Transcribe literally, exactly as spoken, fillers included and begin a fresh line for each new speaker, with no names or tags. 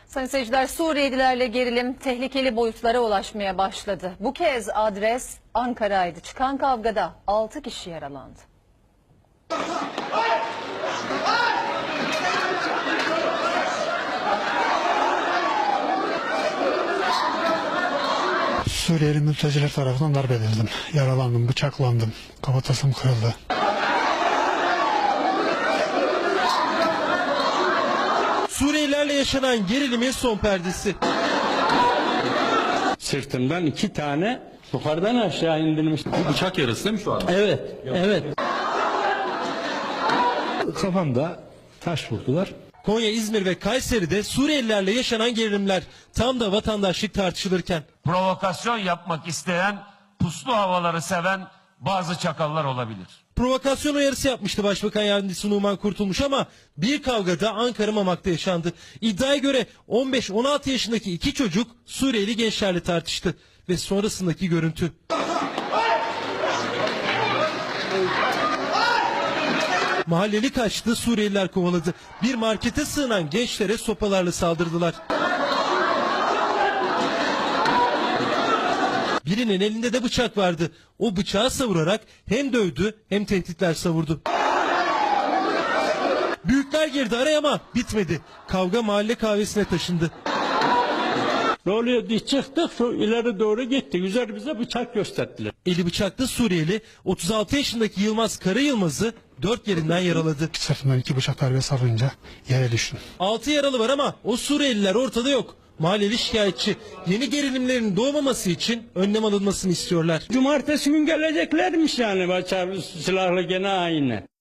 Sayın seyirciler, Suriyelilerle gerilim tehlikeli boyutlara ulaşmaya başladı. Bu kez adres Ankara'ydı. Çıkan kavgada altı kişi yaralandı.
Suriyeli mülteciler tarafından darp edildim. Yaralandım, bıçaklandım. Kafatasım kırıldı.
Suriyelilerle yaşanan gerilimin son perdesi.
Sırtımdan iki tane yukarıdan aşağı indirilmiş.
Bıçak yarası değil mi şu an?
Evet, evet. Kafamda taş vurdular.
Konya, İzmir ve Kayseri'de Suriyelilerle yaşanan gerilimler tam da vatandaşlık tartışılırken.
Provokasyon yapmak isteyen, puslu havaları seven bazı çakallar olabilir.
Provokasyon uyarısı yapmıştı Başbakan Yardımcısı Numan Kurtulmuş ama bir kavgada Ankara Mamak'ta yaşandı. İddiaya göre on beş on altı yaşındaki iki çocuk Suriyeli gençlerle tartıştı ve sonrasındaki görüntü. Mahalleli kaçtı, Suriyeliler kovaladı. Bir markete sığınan gençlere sopalarla saldırdılar. Birinin elinde de bıçak vardı. O bıçağı savurarak hem dövdü hem tehditler savurdu. Büyükler girdi araya ama bitmedi. Kavga mahalle kahvesine taşındı.
Ne oluyor diye çıktık, şu ileri doğru gittik. Üzerimize bıçak gösterdiler.
Eli bıçaklı Suriyeli otuz altı yaşındaki Yılmaz Karayılmaz'ı dört yerinden yaraladı.
Sırtımdan iki bıçak darbesi alınca yere düştüm.
altı yaralı var ama o Suriyeliler ortada yok. Mahalleli şikayetçi. Yeni gerilimlerin doğmaması için önlem alınmasını istiyorlar.
Cumartesi gün geleceklermiş yani, bıçak silahlı gene aynı.